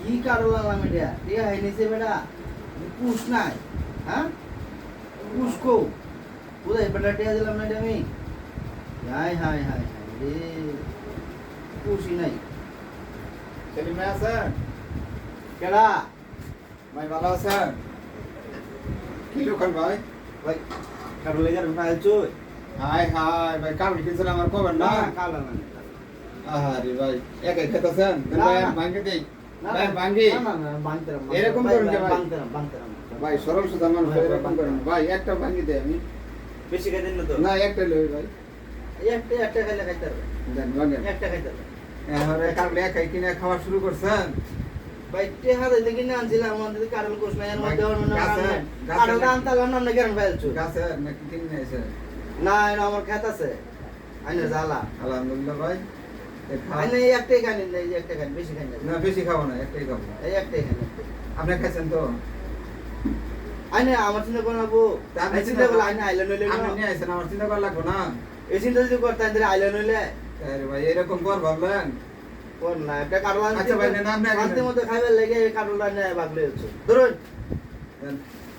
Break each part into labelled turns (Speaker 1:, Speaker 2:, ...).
Speaker 1: কি কারো লালাম এটা টিয়া হাই নিছে বেটা পুষ নাই হ্যাঁ পুষ কো বুঝাই বেটা টিয়া দিলাম না এটা আমি হাই হাই হাই হাই রে পুষই নাই
Speaker 2: সেলিম ভাই আছেন?
Speaker 1: কেডা
Speaker 2: ভাই ভালো আছেন? কি লোকাল ভাই?
Speaker 1: ভাই কারো লেগার ফাইল চুই
Speaker 2: হাই হাই ভাই কাবলি কিনছেন আমার কবেন না?
Speaker 1: কালা না
Speaker 2: আরে ভাই একাই খেতেছেন?
Speaker 1: না,
Speaker 2: ভাই
Speaker 1: না।
Speaker 2: ভাঙ্গি দেই।
Speaker 1: না,
Speaker 2: ভাই ভাঙ্গি।
Speaker 1: না না বানতেরাম
Speaker 2: এরকম করুন কে ভাই?
Speaker 1: বানতেরাম
Speaker 2: ভাই সরল সুদা মানুষ
Speaker 1: ভাই,
Speaker 2: এরকম
Speaker 1: ভাই,
Speaker 2: করেন। ভাই একটা ভাঙ্গি দেই আমি।
Speaker 1: বেশি খাই দিন না তো
Speaker 2: না একটা লই ভাই।
Speaker 1: একটা খাইলে খাইতে পারবে
Speaker 2: দেন ভাঙ্গেন।
Speaker 1: একটা খাইতে পারবে
Speaker 2: এবারে কাবলি একাই কিনে খাওয়া শুরু করছেন?
Speaker 1: ভাই টেহা দিতে কিনে আনছিলাম আমাদের কারণ কোশ নাই এর মধ্যে ওর মনে
Speaker 2: গাছে, গাছে
Speaker 1: কারণ
Speaker 2: না-
Speaker 1: আনতালাম না কেন ফেলছো
Speaker 2: গাছে নাকি কিনে এসে?
Speaker 1: না এটা আমার খেত আছে আইনে জ্বালা
Speaker 2: আলহামদুলিল্লাহ ভাই। এ খাও।
Speaker 1: আইনে এই একটাই খাই না এই যে একটা খাই বেশি খাই না
Speaker 2: না বেশি খাবো না একটাই খাবো।
Speaker 1: এই একটাই খাই না
Speaker 2: আপনি খাইছেন তো?
Speaker 1: আইনে আমার চিন্তা করে নেবো
Speaker 2: তা আপনি
Speaker 1: আমি চিন্তা করলে আইনে আইলে নইলে
Speaker 2: আপনি নিয়ে আইছেন আমার চিন্তা করা লাগবো না।
Speaker 1: এই চিন্তা যদি করতেন তাহলে আইলে নইলে
Speaker 2: আরে ভাই এরকম কর ভাবলেন?
Speaker 1: কোন না একটা কারণ
Speaker 2: আচ্ছা ভাই, নেন, আপনি আগে
Speaker 1: আনতে
Speaker 2: নেন।
Speaker 1: মধ্যে খাইবার লেগে এই কারণটা নিয়ে বাগলে হচ্ছে ধরুন
Speaker 2: দেন।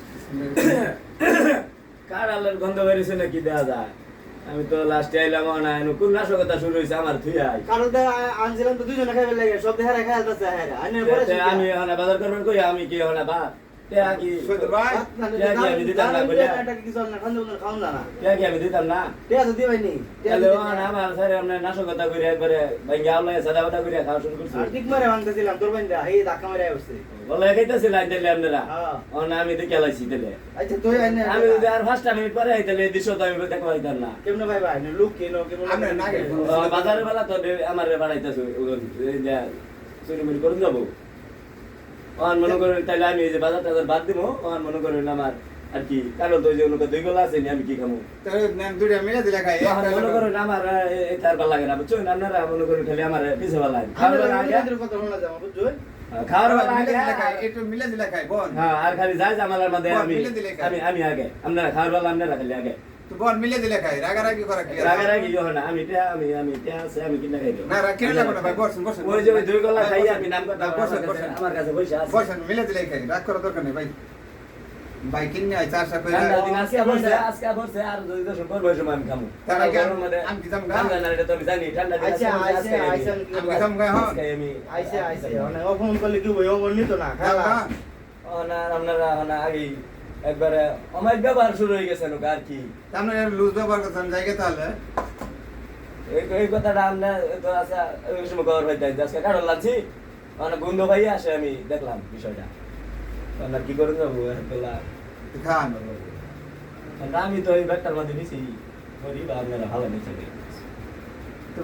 Speaker 3: কার আল্লাহর গন্ধ বেরিয়েছে নাকি দেয়া যায় আমি তো লাস্টে আইলাম না কোন নাশকতা শুরু হয়েছে আমার থুই আই
Speaker 1: কারণটা আনছিলাম তো দুজনে খাইবার লেগে সব দেখারে খাই আসতেছে হ্যাঁ আইনে পরে
Speaker 3: আমি এখন বাজার করবেন কই আমি কি এখন বা তে কি
Speaker 2: সৈয়দ ভাই
Speaker 3: আমি দিতাম না বলে
Speaker 1: কিছু না খাওন না
Speaker 3: কি আমি দিতাম না
Speaker 1: টিয়া তো দিবাইনি
Speaker 3: তাহলে আমার স্যার আমরা নাশকতা করে একবারে ভাঙ্গি আউলাই সাদাবাটা করে খাওয়া শুরু করছি
Speaker 1: ঠিক মারে ভাঙতেছিলাম তোর বাইন্দা এই ধাক্কা মারে আসছে
Speaker 3: বলে খাইতেছি লাইন দিলে আপনারা
Speaker 1: হ্যাঁ
Speaker 3: আমি তো খেলাইছি তাহলে
Speaker 1: আচ্ছা তুই আইনে
Speaker 3: আমি যদি আর 5টা মিনিট পরে আইতালে এই দৃশ্য তো আমি দেখতে পাইতাম না
Speaker 1: কেমনে ভাই ভাই লোক কেন কেমন
Speaker 2: আমরা না গেলে
Speaker 3: বাজারের বেলা তো আমার বাড়াইতেছে চুরি মুড়ি করুন যাবো অন মনে করেন তাহলে আমি এই যে বাজার টাজার বাদ দিব অন মনে করেন আমার আর কি কারণ তো ওই যে ওনাকে 2 গোলা আছে নি আমি কি খামু
Speaker 2: তাহলে নেন দুইটা মিলে দিলে খাই
Speaker 3: তখন মনে করেন আমার তার ভালো লাগে না বুঝছেন আপনারা মনে করেন খালি আমার পিছে ভালো লাগে খাওয়ার বেলা আগে
Speaker 1: কথা শোনা যাবে বুঝছো
Speaker 3: খাওয়ার বেলা
Speaker 2: মিলে
Speaker 3: আগে
Speaker 2: দিলে খাই একটু মিলে দিলে খাই বোন
Speaker 3: হ্যাঁ আর খালি যাই জামালার মধ্যে
Speaker 2: বল,
Speaker 3: আমি
Speaker 2: মিলে দিলে খাই।
Speaker 3: আমি আমি আগে আপনারা খাওয়ার বেলা আপনারা খালি আগে
Speaker 2: তো বোন মিলে দিলে খাই রাগারাগি করা কি আছে?
Speaker 3: রাগারাগি ইয়ে হয় না আমি আছে আমি কিনা খাই দেব
Speaker 2: না রাগ কেন লাগবে না ভাই বসেন বসেন
Speaker 3: ওই যে ওই 2 গোলা খাই আমি নাম কথা
Speaker 2: বসেন বসেন
Speaker 3: আমার কাছে পয়সা আছে
Speaker 2: বসেন মিলে দিলে খাই রাগ করার দরকার নেই ভাই ভাই কিনে আই চারশা করে
Speaker 3: ঠান্ডা দিন আজকে বলছে আর যদি দশ করবো ওই সময় আমি খামু
Speaker 2: তার আগে
Speaker 3: গরমের মধ্যে
Speaker 2: আমি কি জামগা?
Speaker 3: ঠান্ডা না এটা তো আমি জানি ঠান্ডা দিন
Speaker 1: আচ্ছা আইছে আইছে
Speaker 2: আমি গেলাম গায় হন
Speaker 3: আজকে আমি
Speaker 1: আইছে আইছে অনেক ফোন করলে কি বই ওমর নিত না খালা
Speaker 3: আপনারা আগে একবারে অমাইক ব্যবহার শুরু হয়ে গেছে নোকা আর কি
Speaker 2: আমরা লুজ ব্যবহার করতাম জায়গা তাহলে
Speaker 3: এই কথাটা আমরা তো আচ্ছা ওই সময় খবর পাইতে আজকে কারণ লাগছি মানে বন্ধু ভাই আসে আমি দেখলাম বিষয়টা আপনার কি করুন যাবো তোলা
Speaker 2: খান
Speaker 3: আমি তো এই ব্যাগটার মধ্যে নিছি করি বা আপনারা ভালো নিচ্ছে